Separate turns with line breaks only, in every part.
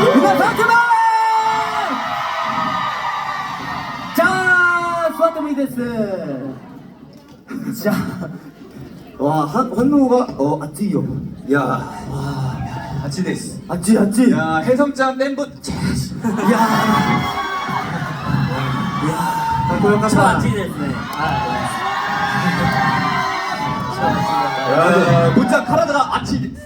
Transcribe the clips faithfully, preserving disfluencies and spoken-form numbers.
皆さん그만! 자, 수아토미です. 자, 와, 한, 환노가 어, 아찌요.
야, 와, 아치 데스.
아찌, 아찌.
야, 해성장 멤버 체스.
야, 야, 고역한다.
네.
야, 문자 카라다가 아치 데스.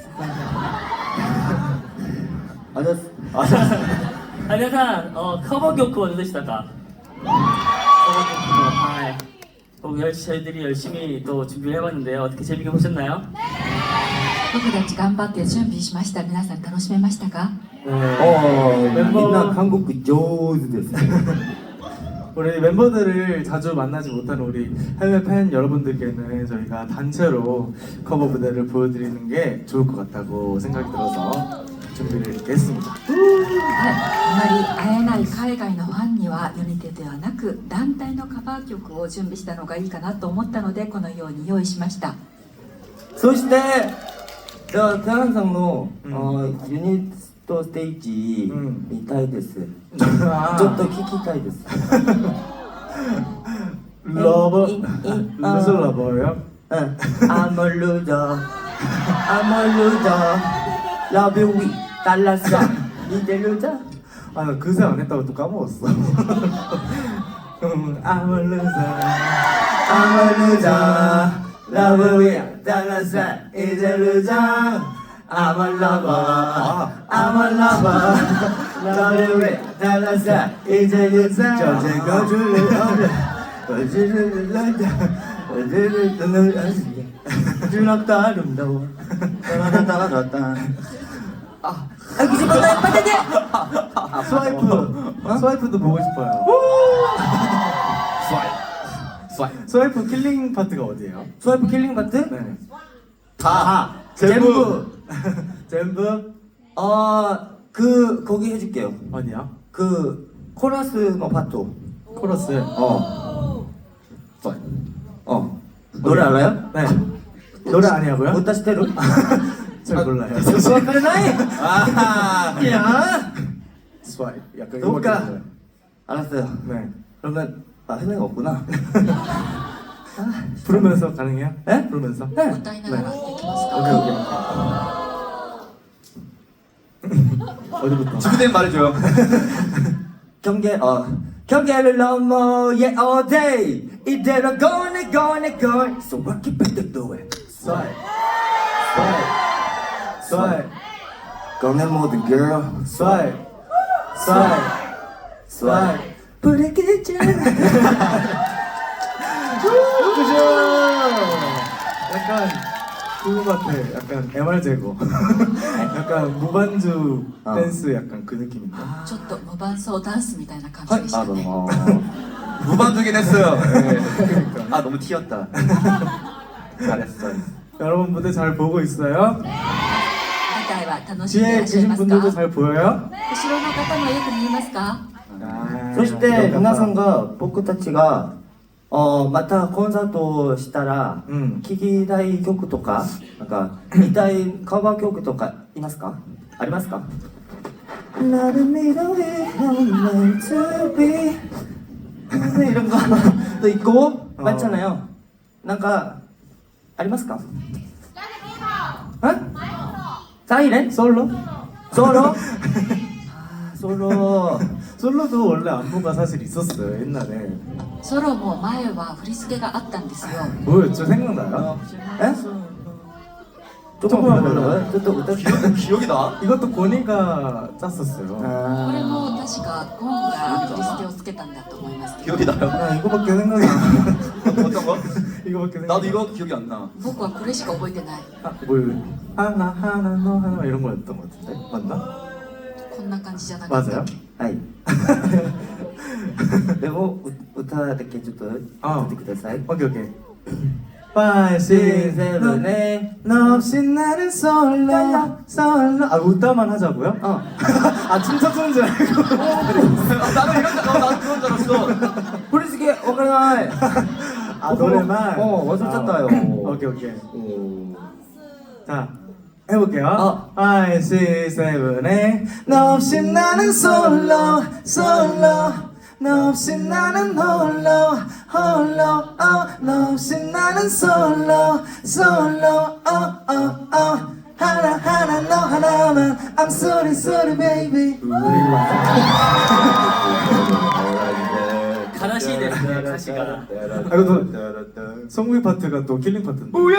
아저씨,
あ、皆さん、あカバー曲はどうでしたか？カバー曲も、はい。僕열 저희들이 열심히 또 준비를 해봤는데요. 어떻게 재밌게 보셨나요?
僕たち頑張って準備しました。皆さん楽しめましたか？
어,
멤버-
민나 한국 조즈です.
우리 멤버들을 자주 만나지 못하는 우리 해외 팬 여러분들께는 저희가 단체로 커버 무대를 보여드리는 게 좋을 것 같다고 생각이 들어서 준비를 이렇게 했습니다.
はい、あまり会えない海外のファンにはユニテではなく団体のカバー曲を準備したのがいいかなと思ったのでこのように用意しました。
소시대, 저 태양상로
음.
어, 유니트 스테이지
음.
미타이です.
아.
ちょっと聞きたいです.
러버,
이- 이-
무슨
어.
러버예요?
응. I'm a loser. I'm a loser. Love you with 달랐어. 이제 loser.
아, 나 그새 안 했다고 또 까먹었어. 음, I'm a loser.
I'm a loser. Love you with 달랐어. 이제 loser. I'm a lover. I'm a lover. Love you with 달랐어. 이제 loser. 저제 거줄을 얻어. 거줄을 얻어. 거줄을 얻어. 주럽다 아름다워. 따라따라따라. 아, 아, 기집애다, 빠져대!
아, 스와이프. 스와이프도 보고 싶어요.
스와이프. 스와이프.
스와이프 킬링 파트가 어디예요?
스와이프 킬링 파트?
네.
다.
전부. 전부?
어, 그, 거기 해줄게요.
어디야?
그, 코러스의 파트.
코러스.
어,
스와이프.
어. 노래 알아요?
네. 노래 아니냐고요?
못 다시 때려?
잘 몰라요.
스와이프를 나이!
아,
야!
스와이프. 약간
녹가.
이거밖에 몰라요.
알았어요.
네.
그러면, 아, 해내가 없구나.
부르면서 가능해요?
네?
부르면서?
ね
歌いながらできますか？
오케이 오케이. 어디부터?
준비된 말해줘요.
경계, 어. 경계를 넘어, yeah, all day. 이대로 gonna, gonna, gonna. So rock it, better do it.
스와이프. 스와이프. 스와이프.
꺼내 모든 girl.
스와이프. 스와이프.
스와이프. 부르겠죠.
그죠? 약간 그거 같아. 약간 엠알 제거. 약간 무반주
어.
댄스 약간 그 느낌인데.
ちょっと無伴奏ダンスみたいな感じでし
아,
たね。
너무.
무반주긴 했어요. 네.
그러니까.
아, 너무 튀었다. 잘했어, 잘했어.
여러분 무대 잘 보고 있어요?
舞台は楽しんでい
뒤에
らっしゃい
계신
ます
분들도
か？
잘 보여요?
後ろの方もよく見えますか？
아,
そして皆さんが僕たちが어またコンサートをしたら
うん
聴きたい曲とかなんか見たいカバー曲とかいますか？ありますか？Love me the way I'm meant to be 이런 거도 있고 많잖아요. 뭔가 ありますか? 응? 사이렌?
솔로?
솔로? 아 솔로.
솔로도 원래 안무가 사실 있었어요 옛날에.
ソロも前は振り付けがあったんですよ。
뭐였죠? 생각나요?
에? 조금만 불러요? 또 또.
기억, 기억이 나?
이것도 고니가 짰었어요.
これ
아.
も確かゴンが振り付けをつけたんだと思いますけど、
기억이 나요?
나 이거밖에 생각이 안 나.
어떤 거?
이거밖에 생각이
나도 이거 기억이 안 나.
僕はこれしか覚えてない。
아, 뭐 하나 하나 너 하나 이런 거였던 것 같은데 맞나?
こんな感じじゃなかった。
맞아요?
はい。でもう歌だけちょっと
あ
歌ってください。
오케이 오케이. 파이브 식스 세븐
네.
너 없이 나는 솔로 솔로 아 웃다만 하자고요?
어.
아 춤춰 추는 줄 알고
아, 나도 이런 줄, 어, 나도 그런 줄 알았어.
부르시게 오가나이.
아 노래만?
어, 완전 짰다요.
아, 오케이 오케이
오.
자 해볼게요.
어.
five, six, seven에 너 없이 나는 솔로 솔로 너 없이 나는 홀로 홀로 어. 너 없이 나는 솔로 솔로 어, 어, 어. 하나 하나 너 하나만 I'm sorry sorry baby
가라시 됐어요, 가시가.
아, 이거 성국이 파트가 또 킬링 파트인데
오예!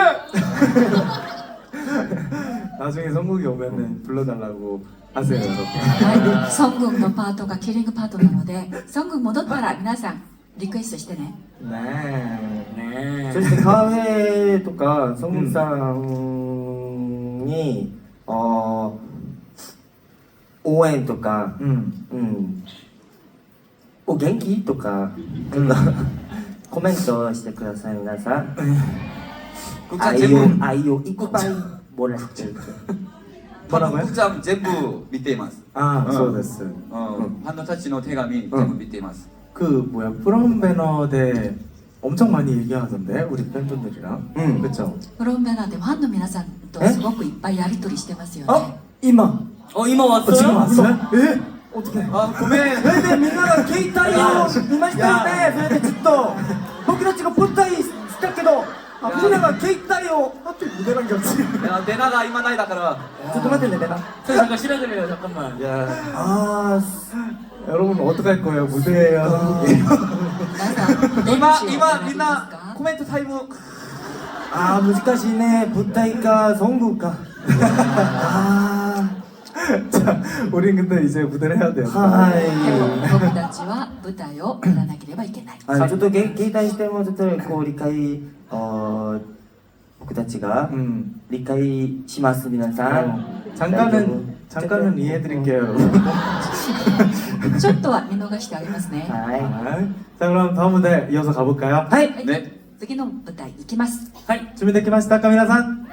나중에 성국이 오면은 불러달라고 하세요 여러분.
はい、ソングンのパートがキリングパートなので、ソングン戻ったら皆さんリクエストしてね。
네.
네.
そしてカフェとかソングさんに、어応援とか、
음.
うん、お元気とか、コメントしてください皆さん。
국장
愛を
제부
愛をいっぱいもらってる。
뭐라고요?
국장 제부 밑에 있ます.
아,
어.
そうです.
어, 한노타치의 대감이
응.
제부 밑에 있ます.
그 뭐야 프롬 배너대 엄청 많이 얘기하던데 우리 팬분들이랑.
응.
그쵸?
フロンベナでファンの皆さんとすごくいっぱいやり取りしてますよね。
어? 이마.
어, 이마
어, 지금
왔어요?
왔어요? 예? 어떻게?
아, 고멘.
それでみんなが携帯を見ましたよね。それでずっと僕たちが舞台したけど、みんなが携帯を
하필 무대란 게 없지.
야, 내나가 이마 나이だから.
ちょっと待ってね、내가.
저 잠깐 실어드려요, 잠깐만.
야.
아,
여러분 어떡할 거예요? 무대예요, 한국이에요.
皆さん、電
이마
池を
이마
選び
민나
ますか？
코멘트 타임.
아, 難しいね。舞台か、ソングか。あ
자, 우린 근데 이제 무대를 해야 돼요.
ー、は
でも
い。
僕たちは舞台をやらなければいけない。
はい、ちょっとげ携帯してもちょっとこう理解、あー僕たちが
음.
理解します皆さん。
어, 잠깐은 잠깐은 이해해드릴게요, 여러분.
ちょっとは見逃してあげますね。
は
자, 그럼 다음 무대 이어서 가볼까요?
い。はい。
はい、
네.
次の舞台行きます。
하이.
준비됐습니까,皆さん?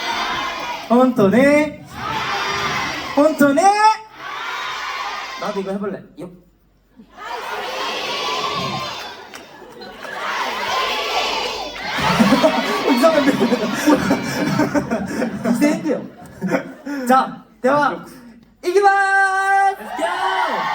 혼토네? 혼토네?
나도 이거 해볼래. 요. 이상한데. 이상한데요. 자, 대화. 이기만.
Let's go!